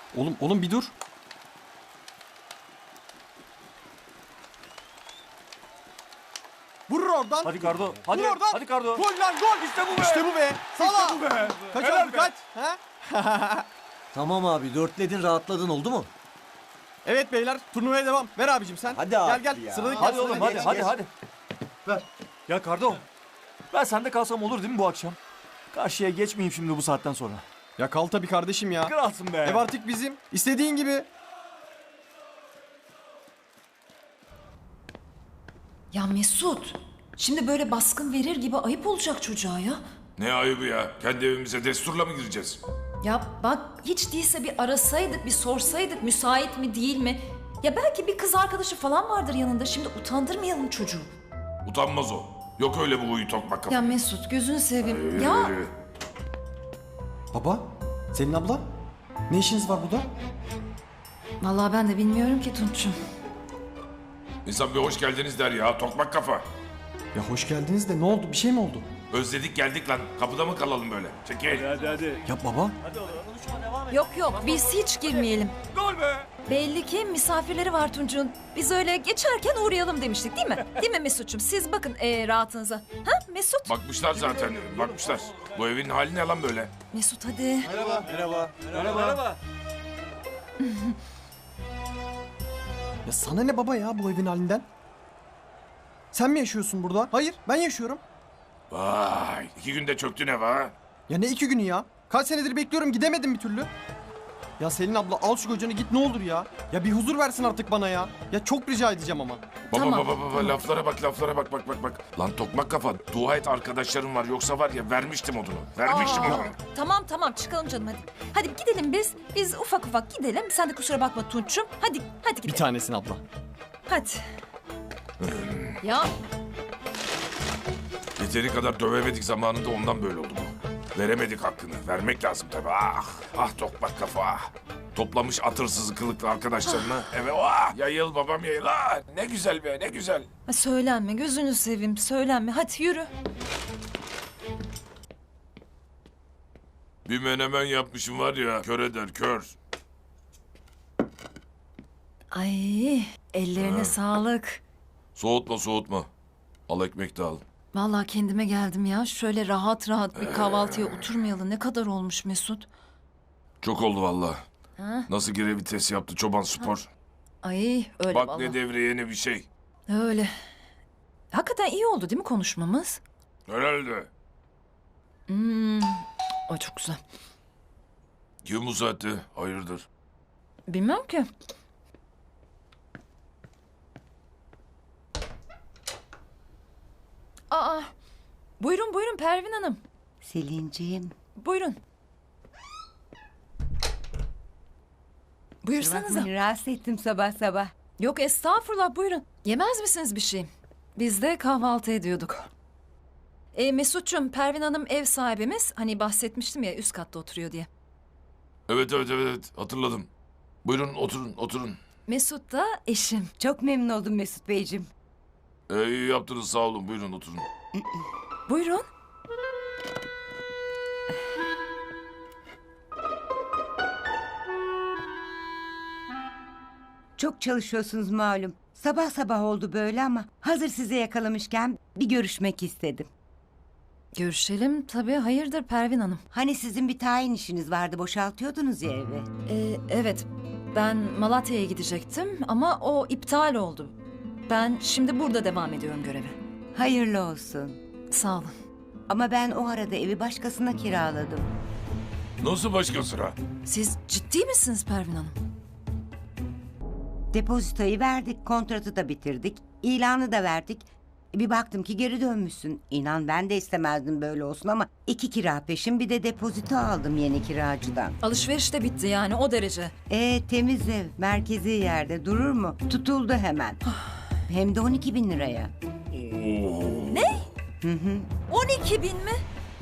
Oğlum bir dur. Vurur oradan. Hadi Kardo. Hadi. Vur oradan. Hadi Kardo. Gol lan gol. İşte bu be. İşte bu be. Sala. İşte bu be. Kaç Helal oldu be. kaç? Ha? Tamam abi, dörtledin, rahatladın, oldu mu? Evet beyler, turnuvaya devam. Ver abicim sen. Hadi abi Gel ya. sıradaki Hadi gel, oğlum sıradaki hadi geç. hadi. Ver. Ya Kardo. Ben sende kalsam olur değil mi bu akşam? Karşıya geçmeyeyim şimdi bu saatten sonra. Ya kal tabii kardeşim ya. Kralsın be. Ev artık bizim. İstediğin gibi. Ya Mesut, şimdi böyle baskın verir gibi ayıp olacak çocuğa ya. Ne ayıbı ya? Kendi evimize desturla mı gireceğiz? Ya bak hiç değilse bir arasaydık, bir sorsaydık müsait mi değil mi? Ya belki bir kız arkadaşı falan vardır yanında. Şimdi utandırmayalım çocuğu. Utanmaz o. Yok öyle bu huyu tokmak kafa. Ya Mesut gözünü seveyim. Ya Baba, Selin abla. Ne işiniz var burada? vallahi ben de bilmiyorum ki Tunç'um. İnsan bir hoş geldiniz der ya tokmak kafa. Ya hoş geldiniz de ne oldu? Bir şey mi oldu? Özledik geldik lan. Kapıda mı kalalım böyle? Çekil. Hadi. Ya baba. Yok biz hiç girmeyelim. Gol be. Belli ki misafirleri var Tunç'un. Biz öyle geçerken uğrayalım demiştik değil mi? Değil mi Mesut'cum? Siz bakın rahatınıza. Ha Mesut? Bakmışlar zaten. Bakmışlar. Bu evin hali ne lan böyle? Mesut hadi. Merhaba. Ya sana ne baba ya bu evin halinden? Sen mi yaşıyorsun burada? Hayır, ben yaşıyorum. Vay. 2 günde çöktün ev ha. Ya ne 2 günü ya? Kaç senedir bekliyorum gidemedim bir türlü. Ya Selin abla al şu kocanı git ne olur ya. Ya bir huzur versin artık bana ya. Ya çok rica edeceğim ama. Baba Tamam. baba laflara bak. Lan tokmak kafa. Dua et arkadaşlarım var yoksa var ya vermiştim odunu. Vermiştim Aa, odunu. Tamam çıkalım canım hadi. Hadi gidelim biz. Biz ufak gidelim. Sen de kusura bakma Tunç'um. Hadi Bir gidelim. tanesin abla. Hadi. Ya Yeteri kadar dövemedik zamanında ondan böyle oldu bu. Veremedik hakkını. Vermek lazım tabii. Ah tokmak kafa. Toplamış atırsız kılıklı arkadaşlarını. Evet yayıl babam yayıl. Ne güzel be ne güzel. söylenme gözünü seveyim söylenme. Hadi yürü. Bir menemen yapmışım var ya kör eder kör. Ay ellerine sağlık. Soğutma. Al ekmek de al. Vallahi kendime geldim ya. Şöyle rahat bir kahvaltıya oturmayalı ne kadar olmuş Mesut. Çok oldu vallahi. Ha? Nasıl geri vites yaptı çoban spor. Ay öyle Bak vallahi. ne devreye ne bir şey. Öyle. Hakikaten iyi oldu değil mi konuşmamız? Herhalde. Ay çok güzel. Kim bu saatte? Hayırdır? Bilmem ki. Aa, buyurun Pervin Hanım. Selin'ciğim. Buyurun. Buyursanıza. Bakmayın, rahatsız ettim sabah sabah. Yok estağfurullah buyurun. Yemez misiniz bir şey? Biz de kahvaltı ediyorduk. Mesut'cum Pervin Hanım ev sahibimiz. Hani bahsetmiştim ya üst katta oturuyor diye. Evet hatırladım. Buyurun oturun. Mesut da eşim. Çok memnun oldum Mesut Beyciğim. İyi yaptınız sağ olun buyurun oturun. Buyurun. Çok çalışıyorsunuz malum. Sabah sabah oldu böyle ama hazır size yakalamışken bir görüşmek istedim. Görüşelim tabii. Hayırdır Pervin Hanım? Hani sizin bir tayin işiniz vardı, boşaltıyordunuz ya evi. Evet, ben Malatya'ya gidecektim ama o iptal oldu. Ben şimdi burada devam ediyorum göreve. Hayırlı olsun. Sağ olun. Ama ben o arada evi başkasına kiraladım. Nasıl başka sıra? Siz ciddi misiniz Pervin Hanım? Depozitoyu verdik, kontratı da bitirdik, ilanı da verdik. Bir baktım ki geri dönmüşsün. İnan ben de istemezdim böyle olsun ama 2 kira peşin bir de depozito aldım yeni kiracıdan. Alışveriş de bitti yani o derece. Temiz ev, merkezi yerde durur mu? Tutuldu hemen. Hem de 12.000 liraya. 12 bin mi?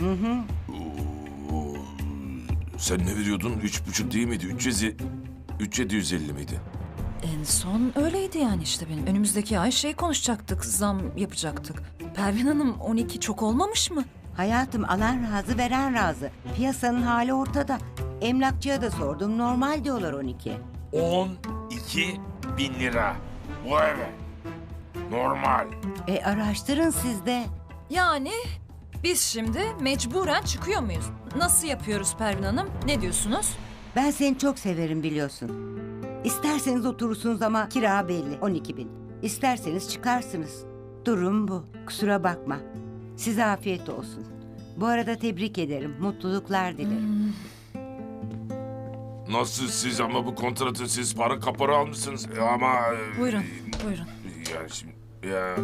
Sen ne veriyordun? 3,5 değil miydi? 3,750 miydi? En son öyleydi yani işte benim. Önümüzdeki ay konuşacaktık, zam yapacaktık. Pervin Hanım 12 çok olmamış mı? Hayatım alan razı veren razı. Piyasanın hali ortada. Emlakçıya da sordum. Normal diyorlar 12. 12 bin lira. Bu eve. Normal. Araştırın siz de. Yani biz şimdi mecburen çıkıyor muyuz? Nasıl yapıyoruz Pervin Hanım? Ne diyorsunuz? Ben seni çok severim biliyorsun. İsterseniz oturursunuz ama kira belli 12 bin. İsterseniz çıkarsınız. Durum bu. Kusura bakma. Size afiyet olsun. Bu arada tebrik ederim. Mutluluklar dilerim. Nasıl siz ama bu kontratı siz para kapora almışsınız ama... Buyurun, buyurun. Yani şimdi... Ya...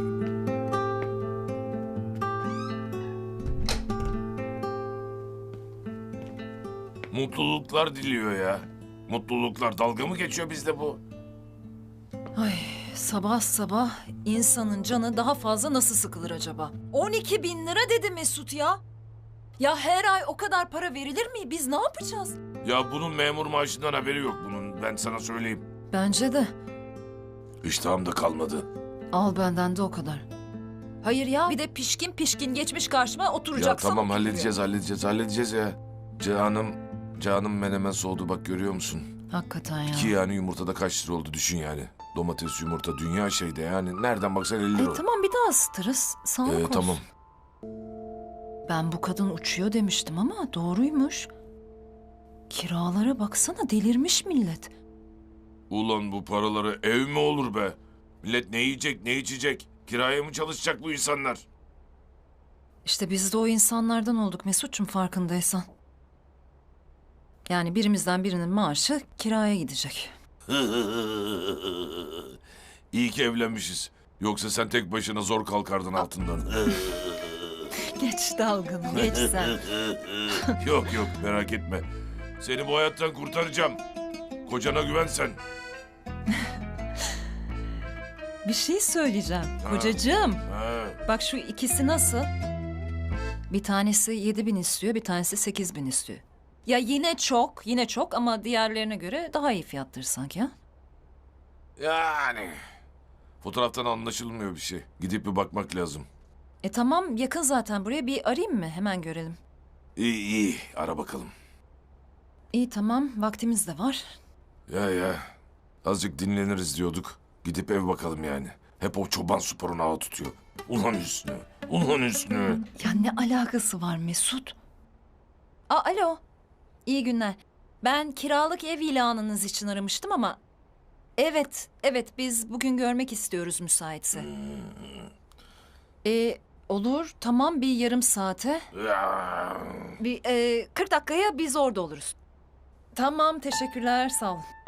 Mutluluklar diliyor ya. Mutluluklar. Dalga mı geçiyor bizde bu? Ay, sabah sabah insanın canı daha fazla nasıl sıkılır acaba? 12 bin lira dedi Mesut ya. Ya her ay o kadar para verilir mi? Biz ne yapacağız? Ya bunun memur maaşından haberi yok bunun. Ben sana söyleyeyim. Bence de. İştahım da kalmadı. Al benden de o kadar. Hayır ya, bir de pişkin pişkin geçmiş karşıma Ya oturacaksam tamam oturuyor. halledeceğiz ya. Canım menemen soğudu bak görüyor musun? Hakikaten ya. Ki yani yumurtada kaç lira oldu düşün yani. Domates yumurta dünya şeyde yani. Nereden baksan 50 lira. Tamam bir daha ısıtırız. Sağlık olsun. Tamam. Ben bu kadın uçuyor demiştim ama doğruymuş. Kiralara baksana, delirmiş millet. Ulan bu paraları ev mi olur be? Millet ne yiyecek ne içecek? Kiraya mı çalışacak bu insanlar? İşte biz de o insanlardan olduk Mesut'cum, farkındaysan. Yani birimizden birinin maaşı kiraya gidecek. İyi ki evlenmişiz. Yoksa sen tek başına zor kalkardın altından. Geç dalgını, geç sen. Yok merak etme. Seni bu hayattan kurtaracağım. Kocana güven sen. Bir şey söyleyeceğim kocacığım. Ha. Bak şu ikisi nasıl? Bir tanesi 7.000 istiyor, bir tanesi 8.000 istiyor. Ya yine çok ama diğerlerine göre daha iyi fiyattır sanki ha? Yani. Fotoğraftan anlaşılmıyor bir şey. Gidip bir bakmak lazım. Tamam, yakın zaten buraya, bir arayayım mı? Hemen görelim. İyi ara bakalım. İyi tamam, vaktimiz de var. Ya azıcık dinleniriz diyorduk. Gidip ev bakalım yani. Hep o çoban sporunu ağa tutuyor. Ulan Hüsnü. Ya ne alakası var Mesut? Alo. İyi günler. Ben kiralık ev ilanınız için aramıştım ama... Evet biz bugün görmek istiyoruz müsaitse. Olur tamam, bir yarım saate. Ya. Bir 40 dakikaya biz orada oluruz. Tamam, teşekkürler, sağ olun.